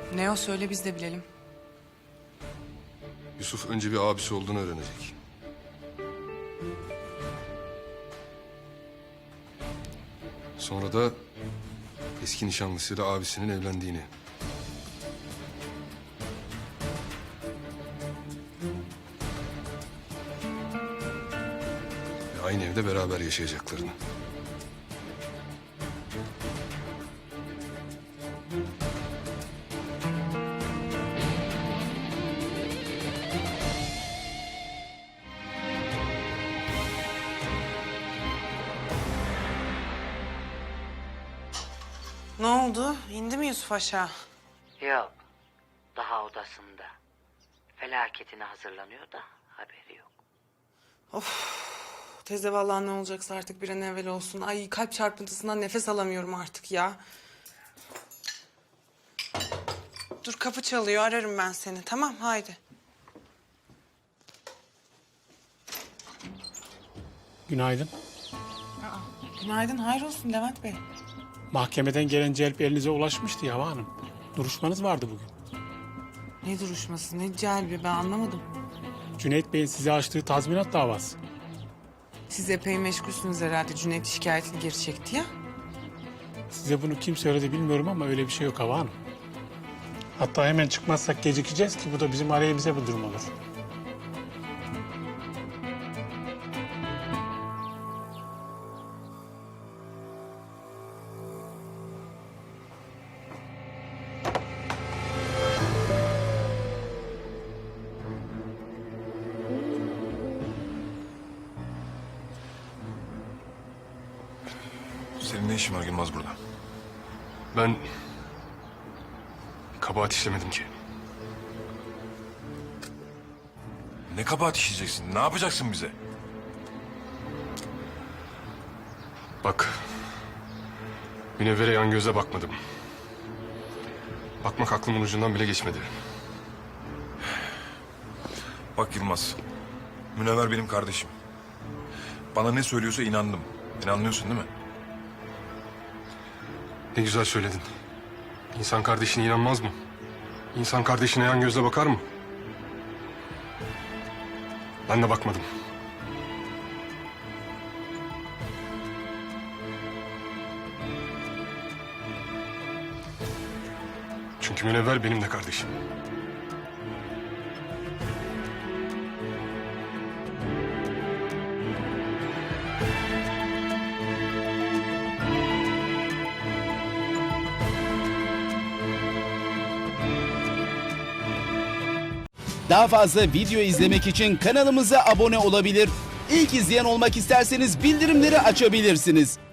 Ne o, söyle biz de bilelim. Yusuf önce bir abisi olduğunu öğrenecek. Sonra da eski nişanlısıyla abisinin evlendiğini. Ve aynı evde beraber yaşayacaklarını. Ne oldu? İndi mi Yusuf aşağı? Yok. Daha odasında. Felaketine hazırlanıyor da haberi yok. Teyze vallahi ne olacaksa artık bir an evvel olsun. Ay kalp çarpıntısından nefes alamıyorum artık ya. Dur kapı çalıyor, ararım ben seni. Tamam haydi. Günaydın. Günaydın, hayrolsun Levent Bey. Mahkemeden gelen celp elinize ulaşmıştı Yava Hanım. Duruşmanız vardı bugün. Ne duruşması, ne celbi, ben anlamadım. Cüneyt Bey'in size açtığı tazminat davası. Siz epey meşgulsünüz herhalde. Cüneyt şikayetini geri çekti ya. Size bunu kim söyledi bilmiyorum ama öyle bir şey yok Hava Hanım. Hatta hemen çıkmazsak gecikeceğiz ki bu da bizim aleyhimize bir durum olur. Senin ne işin var Yılmaz burada? Ben kabahat işlemedim ki. Ne kabahat işleyeceksin? Ne yapacaksın bize? Bak, Münevver'e yan göze bakmadım. Bakmak aklımın ucundan bile geçmedi. Bak Yılmaz, Münevver benim kardeşim. Bana ne söylüyorsa inandım. Beni anlıyorsun değil mi? Ne güzel söyledin. İnsan kardeşine inanmaz mı? İnsan kardeşine yan gözle bakar mı? Ben de bakmadım. Çünkü Münevver benim de kardeşim. Daha fazla video izlemek için kanalımıza abone olabilir. İlk izleyen olmak isterseniz bildirimleri açabilirsiniz.